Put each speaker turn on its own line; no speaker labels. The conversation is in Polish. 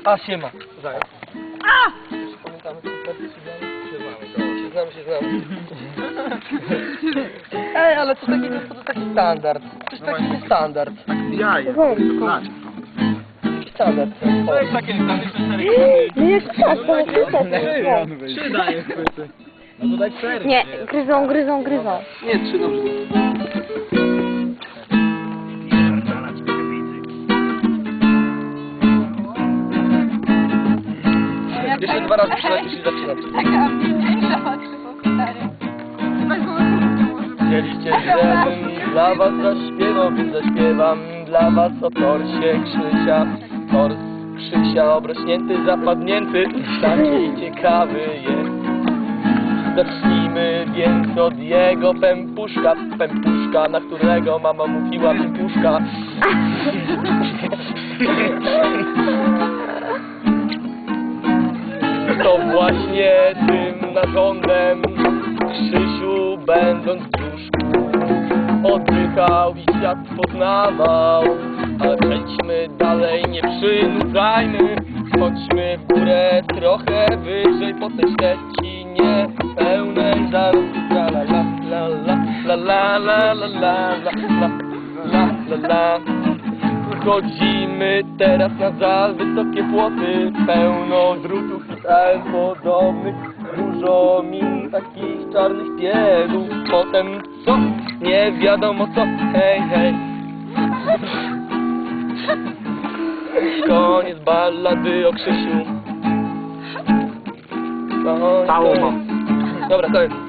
A, siema.
Zając. Pamiętamy, co wtedy Znamy. Ej, ale co takiego, to taki standard. Coś taki standard.
Ja jestem.
Standard.
To jest takie,
No jak tak, to jest niestety.
Trzy daje chwyty. No to daj cztery.
Nie, gryzą.
Nie, 3 dobrze. Jeszcze 2 razy przynajmniej się zaczynać.
Taka mniejsza patrzyła, stary.
Chcieliście, żebym dla was zaśpiewał, więc zaśpiewam dla was o torsie Krzysia. Tors Krzysia obrośnięty, zapadnięty, taki ciekawy jest. Zacznijmy więc od jego pępuszka, na którego mama mówiła pępuszka. To właśnie tym narządem Krzysiu, będąc w brzuszku, oddychał i świat poznawał. Ale przejdźmy dalej, nie przynudzajmy, chodźmy w górę trochę wyżej po tej Szczecinie pełnej zarodku. La la la la la la la la la la la la. Chodzimy teraz na za wysokie płoty, pełno drutów i podobnych, dużo min takich czarnych piegów. Potem co? Nie wiadomo co, hej, hej. Koniec ballady o Krzysiu.
Całą mam.
Dobra, koniec.